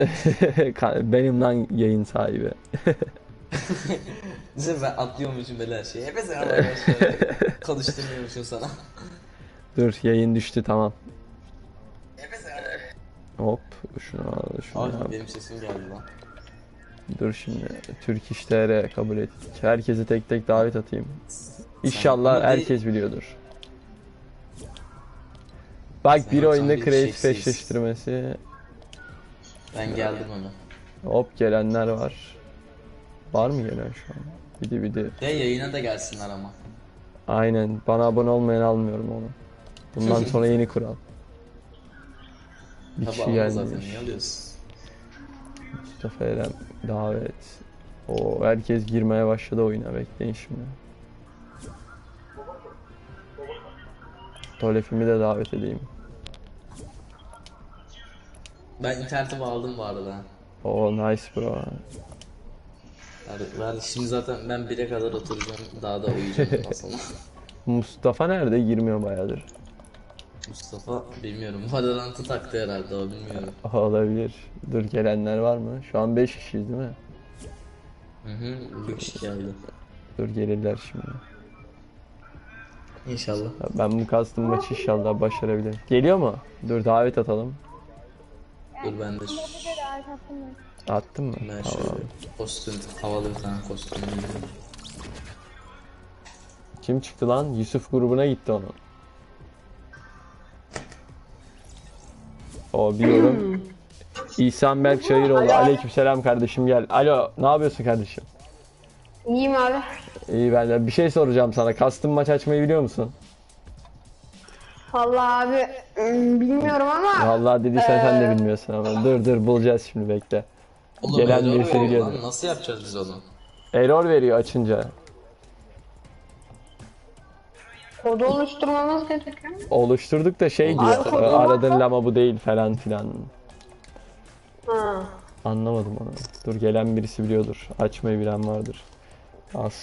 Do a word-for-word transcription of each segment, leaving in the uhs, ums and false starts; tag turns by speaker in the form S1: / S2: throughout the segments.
S1: Benim lan yayın sahibi.
S2: Düşünsene ben atlıyormuşum böyle her şeyi. Hepsi ama arkadaşlar. Konuşturmuyormuşum sana.
S1: Dur yayın düştü tamam.
S2: Hepsi ama.
S1: Hop şunu al şunu
S2: Ay
S1: yap.
S2: benim sesim geldi lan.
S1: Dur şimdi Türk İş T R kabul ettik. Herkesi tek tek davet atayım.
S2: Sen
S1: İnşallah
S2: ama bir-
S1: herkes biliyordur. Bak
S2: Sen
S1: bir
S2: yoksan
S1: oyunda
S2: bir
S1: kreatif
S2: şeksiz.
S1: eşleştirmesi.
S2: Ben geldim ona.
S1: Hop gelenler var. Var mı gelen şu an? Bidi bidi.
S2: De yayına da gelsinler ama.
S1: Aynen. Bana abone olmayan almıyorum onu. Bundan sonra yeni kural. Bir
S2: Tabi
S1: kişi
S2: alma zaten
S1: gelmiş.
S2: niye alıyorsun?
S1: Mustafa Eren davet. O herkes girmeye başladı oyuna. Bekleyin şimdi. Tolefimi de davet edeyim.
S2: Ben internete bağladım bu arada.
S1: O nice bro.
S2: Yani ben şimdi zaten ben bire kadar oturacağım. Daha da uyuyacağım aslında.
S1: Mustafa nerede? Girmiyor bayağıdır.
S2: Mustafa bilmiyorum. Valorant'ı taktı herhalde o bilmiyorum.
S1: Aha, olabilir. Dur gelenler var mı? Şu an beş kişiyiz değil mi?
S2: Hı hı. Bir kişi geldi.
S1: Dur gelirler şimdi.
S2: İnşallah.
S1: Ben bu custom maçı inşallah başarabilirim. Geliyor mu? Dur davet atalım.
S2: Dur ben de şu-
S1: Attın mı?
S2: ben
S1: Tamam.
S2: şöyle kostüm havalı bir tane kostüm giyeyim.
S1: Kim çıktı lan? Yusuf grubuna gitti onun. O biliyorum. İhsan Berk Çayıroğlu. Aleykümselam kardeşim gel. Alo ne yapıyorsun kardeşim?
S3: İyiyim abi.
S1: İyi ben de bir şey soracağım sana. Custom maç açmayı biliyor musun?
S3: Vallahi abi ım, bilmiyorum ama
S1: Vallahi dediysen sen de
S3: Ee,
S1: bilmiyorsun ama. Dur dur bulacağız şimdi bekle.
S2: Oğlum
S1: Gelen
S2: error
S1: birisi
S2: veriyor
S1: biliyordu.
S2: lan. Nasıl yapacağız biz onu?
S1: Error veriyor açınca.
S3: kodu oluşturmamız gerekiyor.
S1: Oluşturduk da şey diyor.
S2: Abi,
S1: e,
S3: kodu
S1: Aradığın
S3: varsa-
S1: lama bu değil falan filan.
S3: Ha.
S1: Anlamadım onu. Dur gelen birisi biliyordur. Açmayı bilen vardır. Az.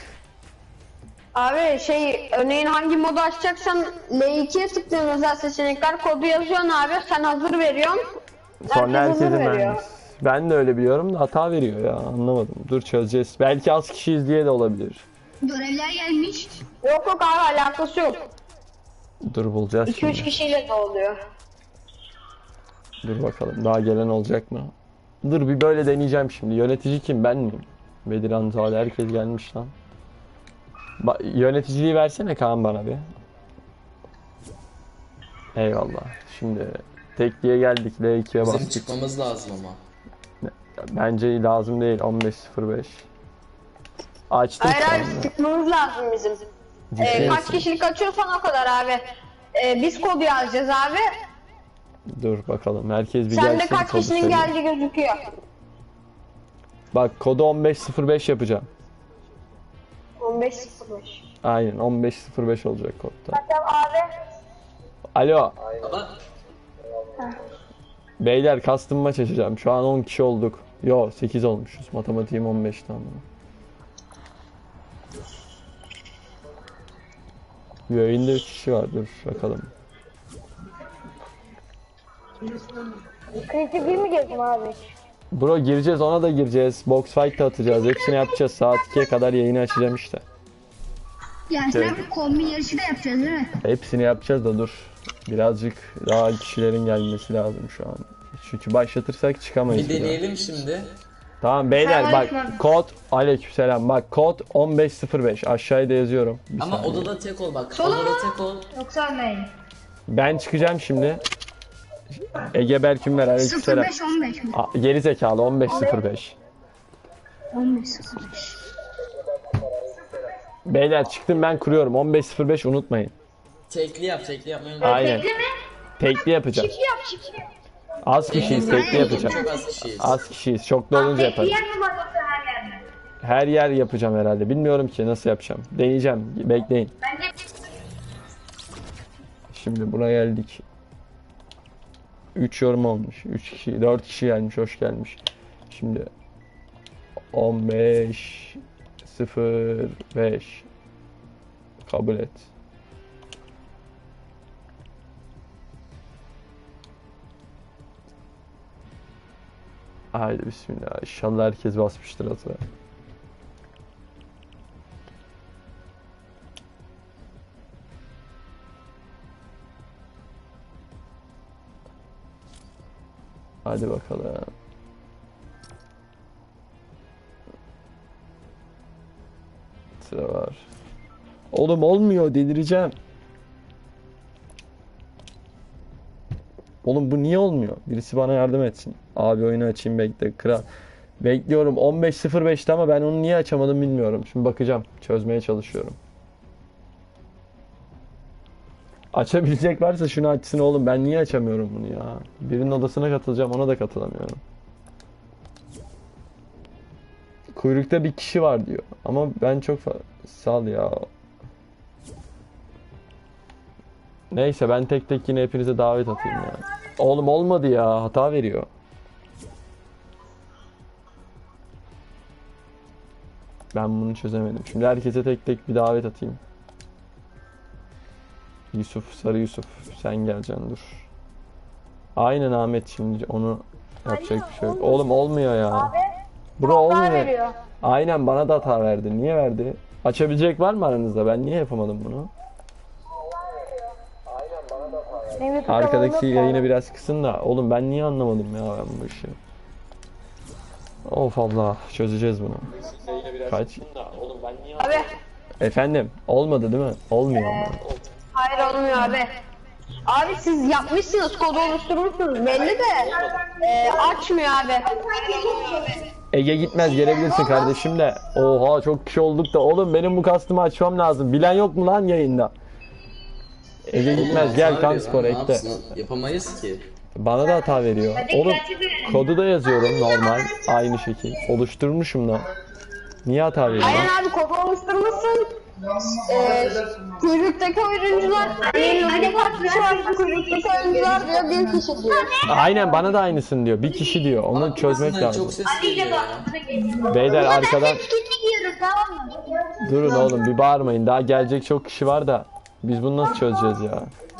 S3: Abi şey örneğin hangi modu açacaksan L ikiye tıklıyorsun özel seçenekler kodu yazıyorsun abi sen hazır veriyorsun.
S1: Sonra
S3: Herkes hazır
S1: herkesin
S3: veriyor.
S1: ben. Ben de öyle biliyorum da hata veriyor ya. Anlamadım. Dur çözeceğiz. Belki az kişiyiz diye de olabilir.
S4: Görevler gelmiş.
S3: Yok yok abi alakası yok.
S1: Dur bulacağız
S3: iki üç
S1: şimdi.
S3: kişiyle de oluyor.
S1: Dur bakalım. Daha gelen olacak mı? Dur bir böyle deneyeceğim şimdi. Yönetici kim? Ben miyim? Bediran Zade herkes gelmiş lan. Ba yöneticiliği versene Kaan bana bir. Eyvallah. Şimdi tekliğe geldik. L ikiye
S2: Bizim
S1: bastık.
S2: çıkmamız lazım ama.
S1: Bence lazım değil. on beş sıfır beş. Açtım
S3: Hayır
S1: şu
S3: hayır
S1: anda.
S3: tıkmamız lazım bizim.
S1: Ciddi
S3: Ee, kaç
S1: misin?
S3: kişilik açıyorsan o kadar abi. Ee, biz kodu yazacağız abi.
S1: Dur bakalım. Herkes bir
S3: Sende
S1: gelsin.
S3: kaç
S1: kodu
S3: kişinin
S1: söyle.
S3: geldiği gözüküyor.
S1: Bak kodu on beş sıfır beş yapacağım.
S3: on beş sıfır beş.
S1: Aynen on beş sıfır beş olacak kodda.
S3: Tamam abi.
S1: Alo.
S2: Ama
S1: Beyler custom maç açacağım. Şu an on kişi olduk. Yo sekiz olmuşuz. Matematiğim on beşten. Yayında üç kişi var. Dur bakalım.
S3: Kritik bir mi girdim abi?
S1: Bro gireceğiz ona da gireceğiz. Box fight da atacağız. Hepsini yapacağız. Saat ikiye kadar yayını açacağım işte.
S4: Yani sen bir kombin yarışı da yapacağız değil mi?
S1: Hepsini yapacağız da dur. Birazcık daha kişilerin gelmesi lazım şu an. Çünkü başlatırsak çıkamayız.
S2: bir
S1: bir daha.
S2: deneyelim şimdi.
S1: Tamam beyler bak
S3: Selamünaleyküm.
S1: kod aleykümselam bak kod on beş sıfır beş aşağıya da yazıyorum. Bir
S2: Ama
S1: saniye.
S2: odada tek ol bak. Odada tek ol.
S3: Yoksa ne?
S1: Ben çıkacağım şimdi. Ege Berkün ver aleykümselam.
S4: sıfır beş on beş mi?
S1: A- Geri zekalı on beş sıfır beş.
S4: on beş sıfır beş.
S1: Beyler çıktım ben kuruyorum on beş sıfır beş unutmayın.
S2: Tekli yap, tekli yapmayı unutma.
S1: Aynen. Tekli yapacağım.
S3: Yap çift yap.
S1: Az kişiyiz tekli yapacağım.
S2: Çok az kişiyiz.
S1: Az kişiyiz çok da olunca yaparım.
S3: mi var yoksa her yerde?
S1: Her yer yapacağım herhalde. Bilmiyorum ki nasıl yapacağım. Deneyeceğim. Bekleyin.
S3: Bence
S1: Şimdi buna geldik. üç yorum olmuş. üç kişi, dört kişi gelmiş. Hoş gelmiş. Şimdi on beş sıfır beş kabul et. Haydi bismillah. İnşallah herkes basmıştır hatırlar. Hadi bakalım. Sıra var. Oğlum olmuyor, delireceğim. Oğlum bu niye olmuyor? Birisi bana yardım etsin. Abi oyunu açayım, bekle kral. Bekliyorum on beş sıfır beşte ama ben onu niye açamadım bilmiyorum. Şimdi bakacağım. Çözmeye çalışıyorum. Açabilecek varsa şunu açsın oğlum. Ben niye açamıyorum bunu ya? Birinin odasına katılacağım, ona da katılamıyorum. Kuyrukta bir kişi var diyor. Ama ben çok fa- sal ya. Neyse ben tek tek yine hepinize davet atayım ya. Oğlum olmadı ya. Hata veriyor. Ben bunu çözemedim. Şimdi herkese tek tek bir davet atayım. Yusuf, Sarı Yusuf. Sen geleceksin dur. Aynen Ahmet, şimdi onu yapacak bir şey yok. Oğlum olmuyor ya. Bro olmuyor. Aynen bana da hata verdi. Niye verdi? Açabilecek var mı aranızda? Ben niye yapamadım bunu? Arkadaki yayını biraz kısın da. Oğlum ben niye anlamadım ya ben bu işi? Of Allah, çözeceğiz bunu. Kaç?
S3: Abi.
S1: Efendim, olmadı değil mi? Olmuyor ama.
S3: Hayır olmuyor abi. Abi siz yapmışsınız, kodu oluşturmuşsunuz belli de e, açmıyor abi.
S1: Ege gitmez, gelebilirsin kardeşim de. Oha çok kişi olduk da. Oğlum benim bu kastımı açmam lazım. Bilen yok mu lan yayında? Ege gitmez, gel kan spor ekle.
S2: Yapamayız ki.
S1: Bana da hata veriyor. Oğlum kodu da yazıyorum normal. Aynı şekil. Oluşturmuşum da. Niye hata veriyor?
S3: Aynen abi, kodu oluşturmuşsun. E, kuyruktaki oyuncular, elinizde kaç kişi var, kuyruktaki oyuncular diyor, bir kişi diyor.
S1: Aynen bana da aynısın diyor. Bir kişi diyor. Onu çözmek
S2: Aslında
S1: lazım.
S2: çok ses geliyor ya.
S1: Beyler arkadan
S4: Etkinlik yiyorum, tamam mı?
S1: durun oğlum, bir bağırmayın. Daha gelecek çok kişi var da. Biz bunu nasıl çözeceğiz ya?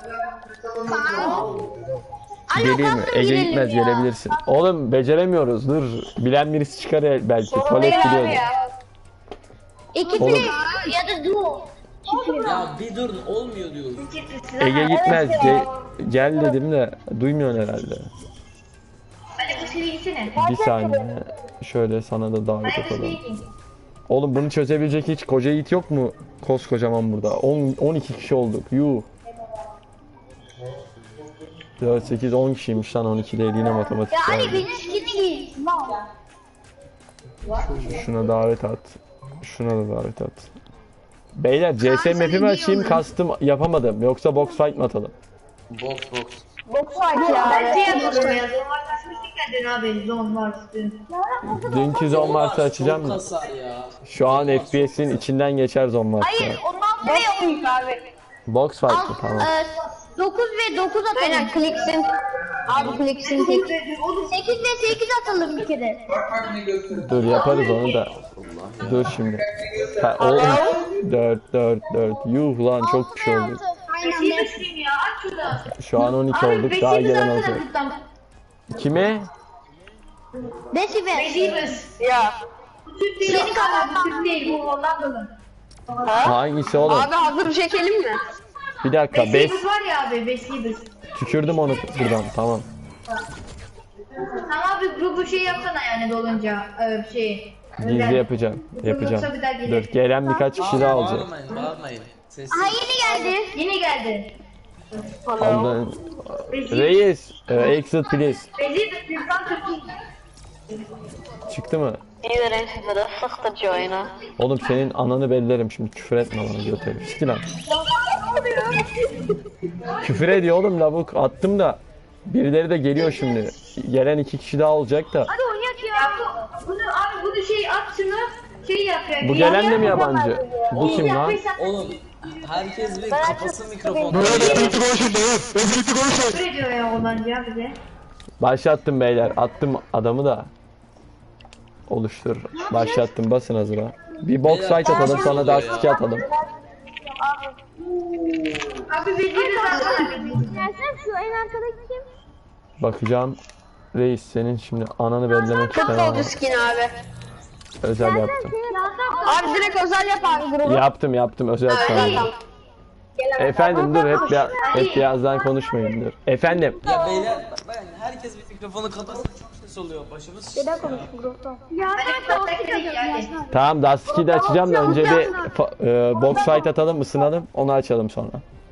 S1: Geleyim mi? Ege gitmez, gelebilirsin. Oğlum beceremiyoruz. Dur. Bilen birisi çıkar el- belki. Tuvalet
S3: Değil abi
S1: biliyordu.
S3: ya.
S4: İkisi
S1: Oğlum.
S4: ya da duo.
S2: Ya bir durun, olmuyor diyoruz.
S1: Ege gitmez. Ge- gel dedim de duymuyorsun herhalde.
S4: Hadi bu seni gitsene.
S1: Bir saniye. Şöyle sana da davet atalım. Oğlum bunu çözebilecek hiç koca yiğit yok mu? Koskocaman burada. on on iki kişi olduk. Yuh. dört sekiz on kişiymiş lan, on iki değil yine matematik.
S4: Ya
S1: yani.
S4: Ali beni sikini giy.
S1: Şuna davet at. Şuna da davet at. Beyler C S map'imi açayım, kastım yapamadım. Yoksa box fight mı atalım?
S2: Box box.
S3: Box fight ya
S4: Ben
S3: abi.
S4: şey yapmadım ya. Zor açmıştık ya dün abi. Zor vardı.
S1: Dünkü zon varsa
S2: Çok
S1: açacağım da.
S2: kasar ya.
S1: Şu an F P S'in içinden geçer zon varsa.
S4: Hayır ondan
S3: Box
S4: sonra
S3: fight abi.
S1: Box fight mı? Tamam.
S4: dokuz ve dokuz
S3: Aynen
S4: atalım.
S3: kliksin. Abi kliksin tek.
S4: sekiz ve sekiz atalım bir kere.
S1: Dur yaparız onu da. Dur şimdi. Ha, oğlum. dört dört dört. Yuh lan çok kişi olduk.
S4: Aynen. ya aç şurada.
S1: Şu an on iki olduk. Daha gelen olacak. Kime?
S4: Beşi ver.
S3: Ya.
S4: Türk değil. Senin kadar Türk değil. Bu Hollandalı.
S1: Hangisi oğlum?
S3: Abi hazır çekelim mi?
S1: Bir dakika. beş.
S4: Beşi var ya abi. Beşi.
S1: Tükürdüm onu buradan. Tamam.
S4: Tamam abi grubu şey yapsana yani dolunca e, şey.
S1: Gizli yapacağım. Yapacağım.
S4: Yoksa bir daha gelir.
S1: Dur. Gelen birkaç kişi daha olacak.
S2: Bağırmayın, bağırmayın. Sessiz.
S4: Ha yeni geldi. Yeni geldi.
S1: Ondan... Reis. E, exit please.
S4: Beşi de Türk'ten Türk'ü.
S1: Çıktı mı?
S3: İyi de renkli de sıktıcı oyunu.
S1: Oğlum senin ananı bellerim şimdi, küfür etme bana götürüm. Siktir lan. Küfür ediyor oğlum lavuk, attım da. Birileri de geliyor şimdi. Gelen iki kişi daha olacak da.
S4: Hadi oynayak ya. Bu, bunu abi bunu şey at şunu. Şey yap ya.
S1: Bu gelen de mi yabancı? Bu kim lan?
S2: Oğlum herkes bir kapasın mikrofonu.
S4: Ne diyor ya Hollanda ya bize?
S1: Başlattım beyler. Attım adamı da. Oluştur. Başlattım, basın hazıra. Bir box fight atalım, sonra da iki atalım.
S4: Abi Beşi de zaten.
S5: Gelsene şu en arkadaki kim?
S1: Bakacağım. Reis senin şimdi ananı bellemek
S3: Çok
S1: istemem.
S3: oldu skin abi.
S1: Özel yaptım.
S3: Abi direkt özel yap abi grubu.
S1: Yaptım yaptım özel sana. Efendim dur hep ya, hep birazdan konuşmayın dur. Efendim.
S2: Ya beyler bak ben herkes bir mikrofonu kapatsın çok ses oluyor başımız.
S3: Neden konuştun grupta?
S1: Tamam Dust de açacağım da önce bir fa- e, box fight atalım ısınalım onu açalım sonra.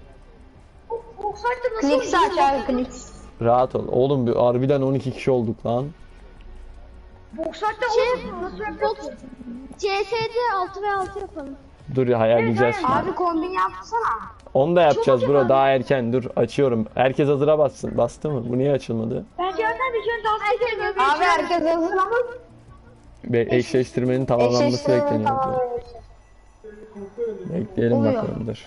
S3: Kliks aç abi kliks.
S1: Rahat ol. Oğlum bir harbiden on iki kişi olduk lan.
S5: C S'de altı ve altı yapalım.
S1: Dur ya ayarlayacağız şimdi.
S3: Abi kombin yapsana.
S1: Onu da yapacağız bro daha erken dur açıyorum. Herkes hazıra bassın. Bastı mı? Bu niye açılmadı?
S4: Ben Cihan'dan bir şey dans ediyorum.
S3: Abi herkes hazır ama.
S1: Be eşleştirmenin tamamlanması
S3: Eşleştirmenin
S1: bekleniyor.
S3: tamamlanması.
S1: Bekleyelim
S3: Oluyor.
S1: bakalım dur.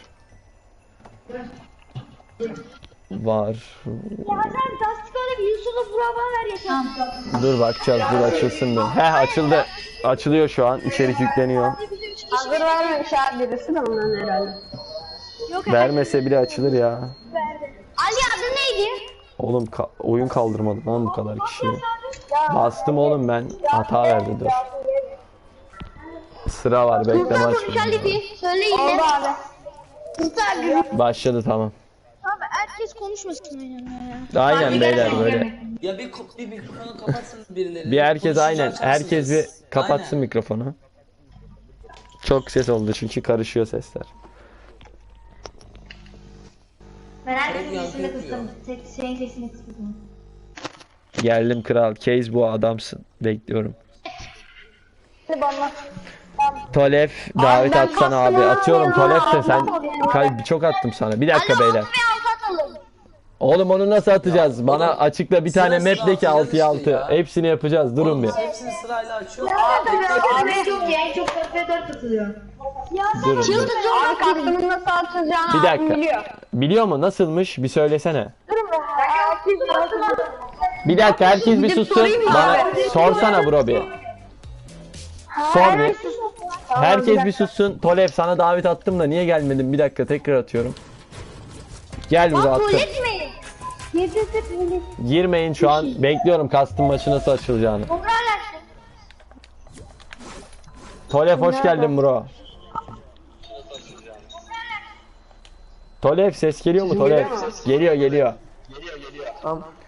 S1: Var.
S4: Cihan'dan tasdik alıp Yusuf'u burama ver yeter.
S1: Dur bakacağız dur açılsın bir. Heh açıldı. Açılıyor şu an. İçerik yükleniyor.
S3: Hazır vermemiş abi birisi de ondan herhalde.
S1: Vermese bile açılır ya.
S3: Ali adı neydi?
S1: Oğlum ka- oyun kaldırmadı lan bu kadar kişiyi. Bastım oğlum ben. Hata verdi dur. Sıra var bekleme açmıyor.
S3: Söyle yine. Oldu abi. Süper.
S1: Başladı tamam.
S5: Abi herkes konuşmasın aynen ya.
S1: Aynen beyler böyle.
S2: Ya bir, ko- bir mikrofonu kapatsın birileri.
S1: Bir herkes aynen.
S2: Konuşacaksınız.
S1: Herkes bir kapatsın
S2: Aynen.
S1: mikrofonu. Çok ses oldu çünkü karışıyor sesler.
S4: Ben herkesin
S2: Çok
S4: sesini
S2: yankı
S4: kıstım. Tek şeyin sesini kıstım.
S1: Geldim kral. Case bu adamsın. Bekliyorum.
S3: Bana.
S1: Tolef davet
S3: ben
S1: atsana abi.
S3: kastım
S1: Atıyorum
S3: abi.
S1: Tolef de sen
S3: Abi.
S1: kay çok attım sana. Bir dakika beyler.
S3: Bir alt atalım.
S1: Oğlum onu nasıl atacağız? Bana
S2: oğlum,
S1: açıkla bir tane
S2: sıra
S1: map de ki
S2: sıra
S1: altıya
S2: atacağız işte
S1: altı.
S2: ya.
S1: Hepsini yapacağız. Durun bir.
S2: Biz hepsini sırayla açıyoruz.
S4: Abi çok ya en çok dört ve dört katılıyor.
S1: Durun. bir.
S3: Abi kastımın nasıl atacağını
S1: Bir
S3: abim
S1: dakika.
S3: biliyor.
S1: Biliyor mu? Nasılmış? Bir söylesene.
S3: Durun be. Herkes
S1: Bir dakika herkes bir sussun.
S3: sorayım mı
S1: Bana
S3: abi?
S1: sorsana bro bir. Sor bir. Herkes bir sussun. Tolef sana davet attım da niye gelmedin? Bir dakika tekrar atıyorum. Gel burada attım.
S3: etmeyin.
S1: Girmeyin şu an. Bekliyorum kastım maçı nasıl açılacağını. Tolef hoş geldin bro. Tolef ses geliyor mu Tolef? Geliyor geliyor.
S6: Tamam.